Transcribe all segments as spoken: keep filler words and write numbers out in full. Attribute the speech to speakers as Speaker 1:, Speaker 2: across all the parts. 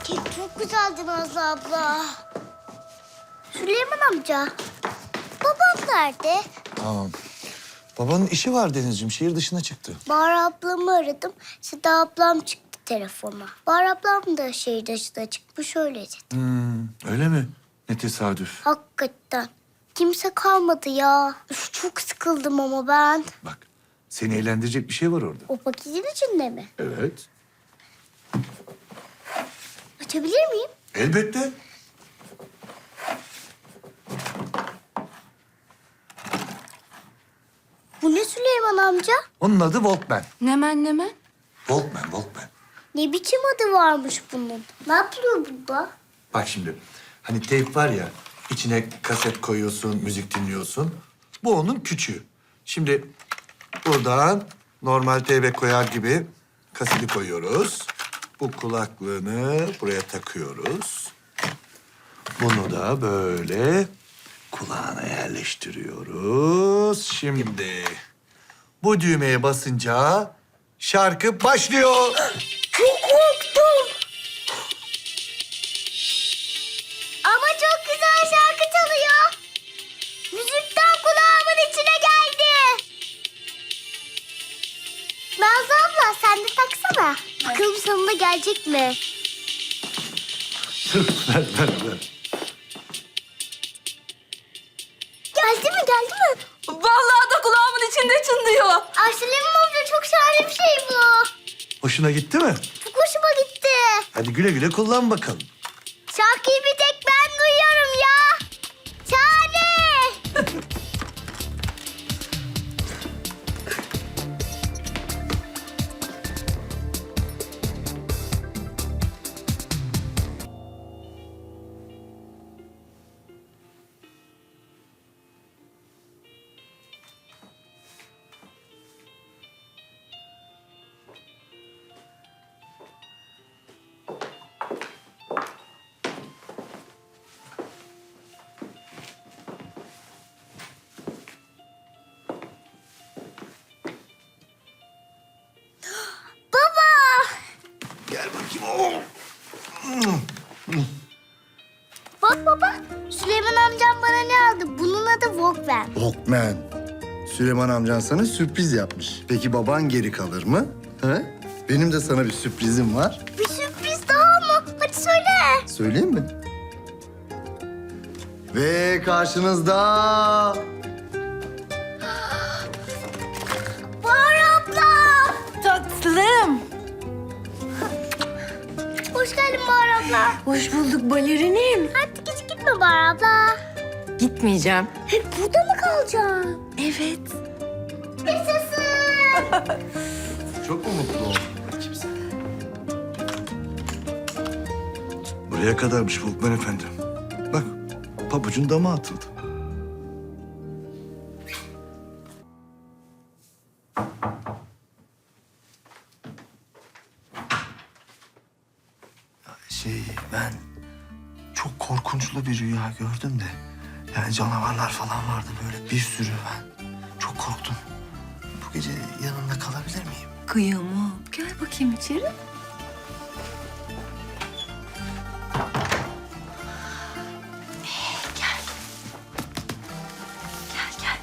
Speaker 1: Kek çok güzeldi Nazlı abla. Süleyman amca, babam nerede?
Speaker 2: Aa, babanın işi var Denizciğim. Şehir dışına çıktı.
Speaker 1: Bahar ablamı aradım. Seda ablam çıktı telefona. Bahar ablam da şehir dışına çıkmış öyle dedi.
Speaker 2: Hmm, öyle mi? Ne tesadüf.
Speaker 1: Hakikaten. Kimse kalmadı ya. Üf, çok sıkıldım ama ben.
Speaker 2: Bak, seni eğlendirecek bir şey var orada.
Speaker 1: O paketin içinde mi?
Speaker 2: Evet.
Speaker 1: Açabilir miyim?
Speaker 2: Elbette.
Speaker 1: Bu ne Süleyman amca?
Speaker 2: Onun adı Walkman.
Speaker 3: Nemen nemen?
Speaker 2: Walkman, Walkman.
Speaker 1: Ne biçim adı varmış bunun? Ne yapıyor baba?
Speaker 2: Bak şimdi, hani teyp var ya, içine kaset koyuyorsun, müzik dinliyorsun. Bu onun küçüğü. Şimdi buradan normal teybe koyar gibi kaseti koyuyoruz. Bu kulaklığını buraya takıyoruz. Bunu da böyle kulağına yerleştiriyoruz. Şimdi bu düğmeye basınca şarkı başlıyor.
Speaker 1: Çok korktum. Ama çok güzel şarkı çalıyor. Müzikten kulağımın içine geldi. Nazlı abla sen de taksana. Bakalım sonunda gelecek mi?
Speaker 2: ver, ver, ver.
Speaker 1: Geldi mi geldi mi?
Speaker 3: Vallahi da kulağımın içinde çınlıyor.
Speaker 1: Ay Süleyman amca çok şahane bir şey bu.
Speaker 2: Hoşuna gitti mi?
Speaker 1: Çok hoşuma gitti.
Speaker 2: Hadi güle güle kullan bakalım.
Speaker 1: Şarkıyı bir tek ben duyuyorum ya. Şahane. Baba.
Speaker 2: Gel bakayım.
Speaker 1: Bak baba. Süleyman amcam bana ne aldı? Bunun adı Walkman.
Speaker 4: Walkman. Süleyman amcan sana sürpriz yapmış. Peki baban geri kalır mı? He? Benim de sana bir sürprizim var.
Speaker 1: Bir sürpriz daha mı? Hadi söyle.
Speaker 4: Söyleyeyim mi? Ve karşınızda
Speaker 1: Bahar abla.
Speaker 3: Tatlım.
Speaker 1: Hoş geldin Bahar abla.
Speaker 3: Hoş bulduk balerinim.
Speaker 1: Artık hiç gitme Bahar abla.
Speaker 3: Gitmeyeceğim.
Speaker 1: Hep burada mı kalacaksın?
Speaker 3: Evet.
Speaker 1: Yaşasın.
Speaker 2: Çok mu mutlu oldun? Bakayım sen. Buraya kadarmış Walkman efendi. Bak, pabucun dama atıldı.
Speaker 5: Şey ben çok korkunçlu bir rüya gördüm de. Yani canavarlar falan vardı böyle bir sürü ben. Çok korktum. Bu gece yanında kalabilir miyim?
Speaker 3: Kıyamam. Gel bakayım içeri. Ee, gel. Gel gel.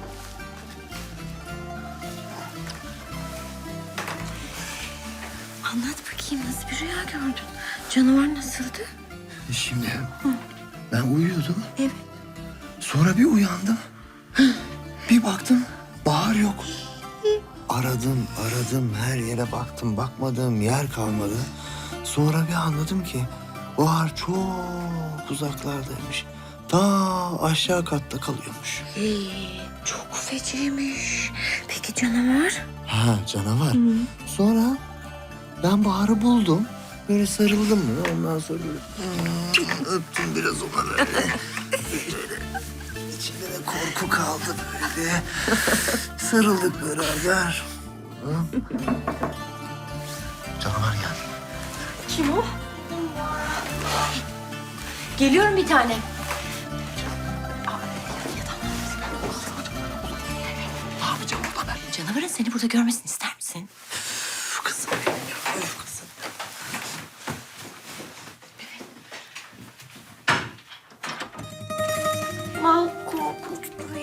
Speaker 3: Anlat bakayım nasıl bir rüya gördün? Canavar nasıldı?
Speaker 5: Şimdi ben uyuyordum.
Speaker 3: Evet.
Speaker 5: Sonra bir uyandım. Bir baktım Bahar yok. Aradım aradım her yere baktım. Bakmadığım yer kalmadı. Sonra bir anladım ki Bahar çok uzaklardaymış. Ta aşağı katta kalıyormuş.
Speaker 3: Ee, çok feciymiş. Peki canavar?
Speaker 5: Ha canavar. Sonra ben Bahar'ı buldum. Böyle sarıldım mı? Ondan sonra böyle hmm, öptüm biraz ona böyle. Böyle İçimde de korku kaldı böyle. Sarıldık beraber. Hı? Canavar geldi.
Speaker 3: Kim o? Geliyorum bir tane.
Speaker 5: Ne yapacağım orada ben?
Speaker 3: Canavarın seni burada görmesini ister misin?
Speaker 5: Üf, kızım benim ya. Üf, kızım.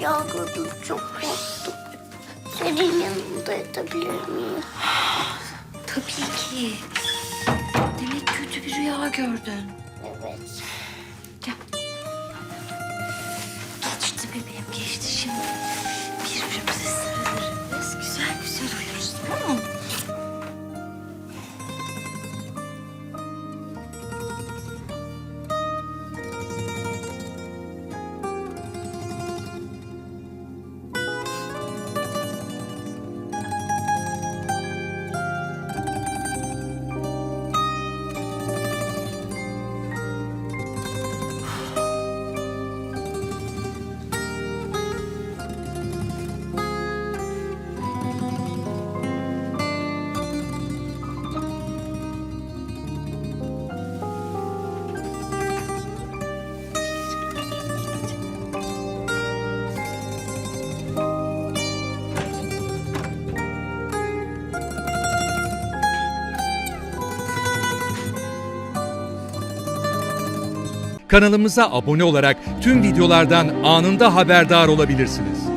Speaker 1: rüya gördüm. Çok korktum. Senin yanında yatabilir miyim?
Speaker 3: Tabii ki. Demek kötü bir rüya gördün.
Speaker 1: Evet.
Speaker 3: Gel. Geçti bebeğim, geçti şimdi. Birbirimize sarılırız. Güzel güzel uyuruz, tamam mı?
Speaker 6: Kanalımıza abone olarak tüm videolardan anında haberdar olabilirsiniz.